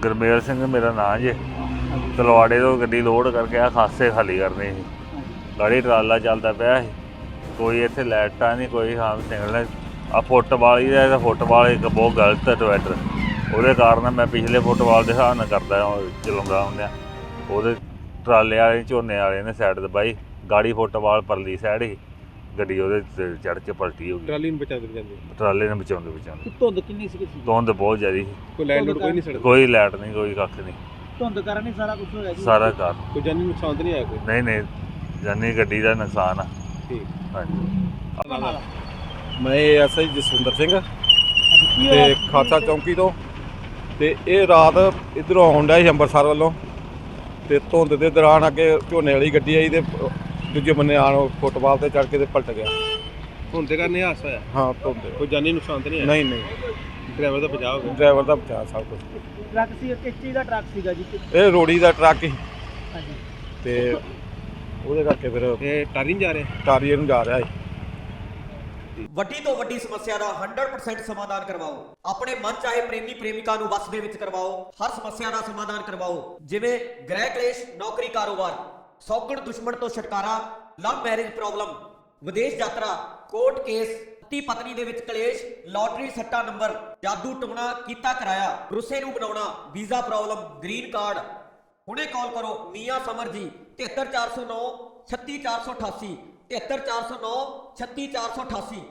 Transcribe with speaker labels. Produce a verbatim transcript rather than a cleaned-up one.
Speaker 1: ਗੁਰਮੇਲ ਸਿੰਘ ਮੇਰਾ ਨਾਂ ਜੇ। ਤਲਵਾੜੇ ਤੋਂ ਗੱਡੀ ਲੋਡ ਕਰਕੇ ਆ ਖਾਸੇ ਖਾਲੀ ਕਰਨੀ ਸੀ। ਗਾੜੀ ਟਰਾਲਾ ਚੱਲਦਾ ਪਿਆ ਸੀ, ਕੋਈ ਇੱਥੇ ਲਾਈਟਾਂ ਨਹੀਂ, ਕੋਈ ਹਾਂ ਸਿਗਨਲ। ਆ ਫੁੱਟਬਾਲ ਹੀ ਦਾ ਫੁੱਟਬਾਲ ਇੱਕ ਬਹੁਤ ਗਲਤ ਡਿਵਾਈਡਰ, ਉਹਦੇ ਕਾਰਨ ਮੈਂ ਪਿਛਲੇ ਫੁੱਟਬਾਲ ਦੇ ਹਿਸਾਬ ਨਾਲ ਕਰਦਾ ਚਲਾਉਂਦਾ ਹੁੰਦਾ। ਉਹਦੇ ਟਰਾਲੇ ਵਾਲੇ ਝੋਨੇ ਵਾਲੇ ਨੇ ਸਾਈਡ ਦਬਾਈ, ਗਾੜੀ ਫੁੱਟਬਾਲ ਪਰਲੀ ਸਾਈਡ ਸੀ, ਗੱਡੀ ਉਹਦੇ ਚੜ੍ਹ ਕੇ ਪਲਟੀ ਹੋ ਗਈ।
Speaker 2: ਟਰਾਲੀ ਨੂੰ ਬਚਾਉਂਦੇ ਬਚਾਉਂਦੇ
Speaker 1: ਟਰਾਲੇ ਨੂੰ ਬਚਾਉਂਦੇ ਬਚਾਉਂਦੇ
Speaker 3: ਧੁੰਦ ਕਿੰਨੀ ਸੀ?
Speaker 1: ਧੁੰਦ ਬਹੁਤ ਜ਼ਿਆਦਾ ਸੀ।
Speaker 2: ਕੋਈ ਲਾਈਟ ਲੋਡ ਕੋਈ ਨਹੀਂ ਸੜਦਾ?
Speaker 1: ਕੋਈ ਲਾਈਟ ਨਹੀਂ, ਕੋਈ ਕੱਖ ਨਹੀਂ।
Speaker 3: ਧੁੰਦ ਕਾਰਨ ਹੀ ਸਾਰਾ ਕੁਝ ਹੋਇਆ ਜੀ?
Speaker 1: ਸਾਰਾ ਕਾਰ
Speaker 2: ਕੋਈ ਜਾਨੀ ਨੁਕਸਾਨ ਤਾਂ ਨਹੀਂ ਆਇਆ ਕੋਈ?
Speaker 1: ਨਹੀਂ ਨਹੀਂ, ਜਾਨੀ ਗੱਡੀ ਦਾ ਨੁਕਸਾਨ ਆ।
Speaker 2: ਠੀਕ।
Speaker 1: ਹਾਂਜੀ।
Speaker 4: ਮੈਂ ਐਸ ਆਈ ਜਸਵਿੰਦਰ ਸਿੰਘ ਤੇ ਖਾਲਸਾ ਚੌਂਕੀ ਤੋਂ। ਤੇ ਇਹ ਰਾਤ ਇੱਧਰੋਂ ਆਉਣ ਡਿਆ ਸੀ ਅੰਮ੍ਰਿਤਸਰ ਵੱਲੋਂ, ਤੇ ਧੁੰਦ ਦੇ ਦੌਰਾਨ ਅੱਗੇ ਝੋਨੇ ਵਾਲੀ ਗੱਡੀ ਆਈ ਤੇ ਦੂਜੇ ਬੰਨੇ ਆਣ ਫੁੱਟਬਾਲ ਤੇ ਚੜ੍ਹ ਕੇ ਤੇ ਪਲਟ ਗਿਆ।
Speaker 2: ਧੁੰਦ ਦੇ ਕਾਰਨ ਇਹ ਹਾਦਸਾ ਹੋਇਆ?
Speaker 4: ਹਾਂ, ਧੁੰਦ।
Speaker 2: ਕੋਈ ਜਾਨੀ ਨੁਕਸਾਨ ਤਾਂ ਨਹੀਂ ਆਇਆ?
Speaker 4: ਨਹੀਂ ਨਹੀਂ,
Speaker 2: ਡਰਾਈਵਰ ਦਾ ਬਚਾਅ ਹੋ ਗਿਆ?
Speaker 4: ਡਰਾਈਵਰ ਦਾ ਬਚਾਅ ਸਭ ਕੁਛ।
Speaker 3: ਟਰੱਕ ਸੀ, ਕਿਸ ਚੀਜ਼ ਦਾ ਟਰੱਕ ਸੀਗਾ ਜੀ?
Speaker 4: ਇਹ ਰੋੜੀ ਦਾ ਟਰੱਕ ਸੀ
Speaker 3: ਹਾਂਜੀ।
Speaker 4: ਤੇ ਉਹਦੇ ਕਰਕੇ ਫਿਰ
Speaker 2: ਇਹ ਟਾਰੀ ਨਹੀਂ ਜਾ ਰਿਹਾ?
Speaker 4: ਟਾਰੀਏ ਨੂੰ ਜਾ ਰਿਹਾ ਸੀ।
Speaker 5: ਵੱਡੀ ਤੋਂ ਵੱਡੀ ਸਮੱਸਿਆ ਦਾ ਸੌ ਪ੍ਰਤੀਸ਼ਤ ਸਮਾਧਾਨ ਕਰਵਾਓ। ਆਪਣੇ ਮਨ ਚਾਹੇ ਪ੍ਰੇਮੀ ਪ੍ਰੇਮਿਕਾ ਨੂੰ ਵਸ ਦੇ ਵਿੱਚ ਕਰਵਾਓ। ਹਰ ਸਮੱਸਿਆ ਦਾ ਸਮਾਧਾਨ ਕਰਵਾਓ, ਜਿਵੇਂ ਗ੍ਰਹਿ ਕਲੇਸ਼, ਨੌਕਰੀ, ਕਾਰੋਬਾਰ, ਸੌਗਣ ਦੁਸ਼ਮਣ ਤੋਂ ਛੁਟਕਾਰਾ, ਲਵ ਮੈਰਿਜ ਪ੍ਰੋਬਲਮ, ਵਿਦੇਸ਼ ਯਾਤਰਾ, ਕੋਰਟ ਕੇਸ, ਪਤੀ ਪਤਨੀ ਦੇ ਵਿੱਚ ਕਲੇਸ਼, ਲਾਟਰੀ ਸੱਟਾ ਨੰਬਰ, ਜਾਦੂ ਟੂਣਾ ਕੀਤਾ ਕਰਾਇਆ, ਰੁੱਸੇ ਨੂੰ ਬਣਾਉਣਾ, ਵੀਜ਼ਾ ਪ੍ਰੋਬਲਮ, ਗ੍ਰੀਨ ਕਾਰਡ। ਹੁਣੇ ਕਾਲ ਕਰੋ ਮੀਆਂ ਸਮਰ ਜੀ, ਤਿਹੱਤਰ ਚਾਰ ਸੌ ਨੌ ਛੱਤੀ ਚਾਰ ਸੌ ਅਠਾਸੀ, ਤਿਹੱਤਰ ਚਾਰ ਸੌ ਨੌ ਛੱਤੀ ਚਾਰ ਸੌ ਅਠਾਸੀ।